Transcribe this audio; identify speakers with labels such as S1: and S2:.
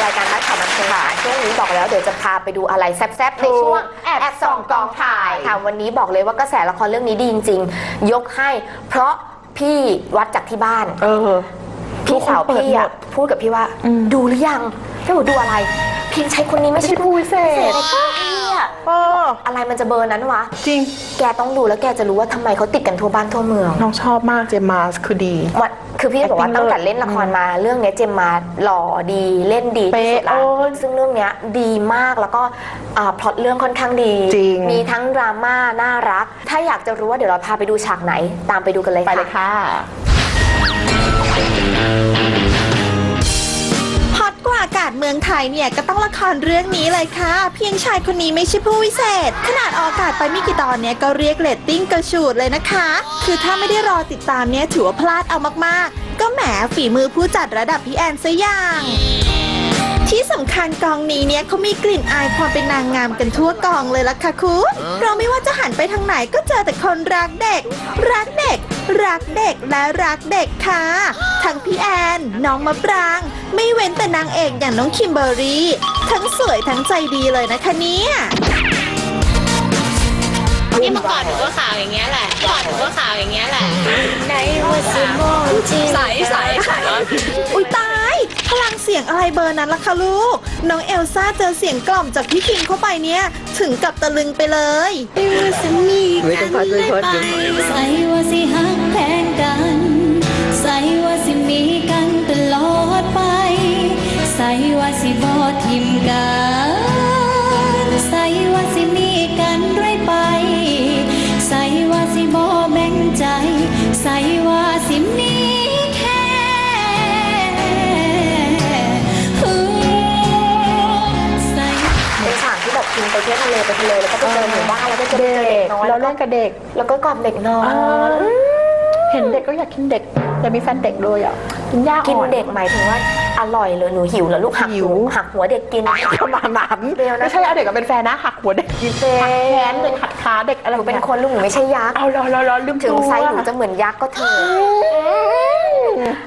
S1: ายการทัดข่าวบันเทิงค่ะช่วงนี้บอกแล้วเดี๋ยวจะพาไปดูอะไรแซ่บๆในช่วงแอบส่องกองถ่ายค่ะวันนี้บอกเลยว่ากระแสละครเรื่องนี้ดีจริงๆยกให้เพราะพี่วัดจากที่บ้านพี่สาวพี่อะพูดกับพี่ว่าดูหรือยังพี่บอกดูอะไรเพียงใช้คนนี้ไม่ใช่ผู้พิเศษอะไรมันจะเบอร์นั้นวะ
S2: จริง
S1: แกต้องดูแล้วแกจะรู้ว่าทำไมเขาติดกันทั่วบ้านทั่วเมือง
S2: น้องชอบมากเจมมาคือดี
S1: คือพี่บอกว่าตั้งแต่เล่นละครมาเรื่องนี้เจมมาหล่อดีเล่นดีที่สุดละซึ่งเรื่องนี้ดีมากแล้วก็พล็อตเรื่องค่อนข้างดีมีทั้งดราม่าน่ารักถ้าอยากจะรู้ว่าเดี๋ยวเราพาไปดูฉากไหนตามไปดูกันเลยค่ะ
S2: ไปเลยค่ะ
S3: ฮอตกว่าอากาศเมืองไทยเนี่ยก็ต้องละครเรื่องนี้เลยค่ะเพียงชายคนนี้ไม่ใช่ผู้วิเศษขนาดออกอากาศไปไม่กี่ตอนเนี่ยก็เรียกเรตติ้งกระฉูดเลยนะคะคือถ้าไม่ได้รอติดตามเนี่ยถือว่าพลาดเอามากๆก็แหมฝีมือผู้จัดระดับพี่แอนซะอย่างที่สำคัญกองนี้เนี่ยเขามีกลิ่นอายความเป็นนางงามกันทั่วกองเลยล่ะค่ะคุณเราไม่ว่าจะหันไปทางไหนก็เจอแต่คนรักเด็กรักเด็กรักเด็กและรักเด็กค่ะทั้งพี่แอนน้องมะปรางไม่เว้นแต่นางเอกอย่างน้องคิมเบอร์รี่ทั้งสวยทั้งใจดีเลยนะคะเนี่ย
S4: นี่เมื่อก่อนหนูก็ขาวอย่างเงี้ยแหละก่อนหนูก็ขาวอย่างเงี้ยแหละ
S3: ในวันสมอง
S4: ใสใส
S3: อุ้ยตายพลังเสียงอะไรเบอร์นั้นล่ะคะลูกน้องเอลซ่าเจอเสียงกล่อมจากพี่คิงเข้าไปเนี่ยถึงกับตะลึงไปเลย
S4: ไม่ต้องพัดไม่พัดใส่ว่าสิหักแพงกันใส่ว่าสิมีกันตลอดไปใส่ว่าสิบ่ทิมกันใส่ว่าสิมีกันเรื่อยไปใส่ว่าสิบ่แบ่งใจใส่ว่าสิมีแค่
S1: เป็นฉากที่แบบคิมไปเที่ยวทะเลแล้วก็ไปเจอหมู่บ้านแล้วก็เจอเด็กน้อย
S2: แล้วเล่นกับเด็ก
S1: แล้วก็กอดเด็กน้อย
S2: เห็นเด็กก็อยากกินเด็กแต่มีแฟนเด็กเลยอ่ะกินยาก
S1: กินเด็กหมายถึงว่าอร่อยเลยหนูหิวแล้วลูกหักหัวเด็กกิน
S2: ประมาณนั้นไม่ใช่เอาเด็กกับเป็นแฟนนะหักหัวเด็กกินหักแขนเด็กหักขาเด็กอะไร
S1: หนูเป็นคนลูกหนูไม่ใช่ยักษ์
S2: เอารอลืม
S1: ถึงไซส์หนูจะเหมือนยักษ์ก็เถอะ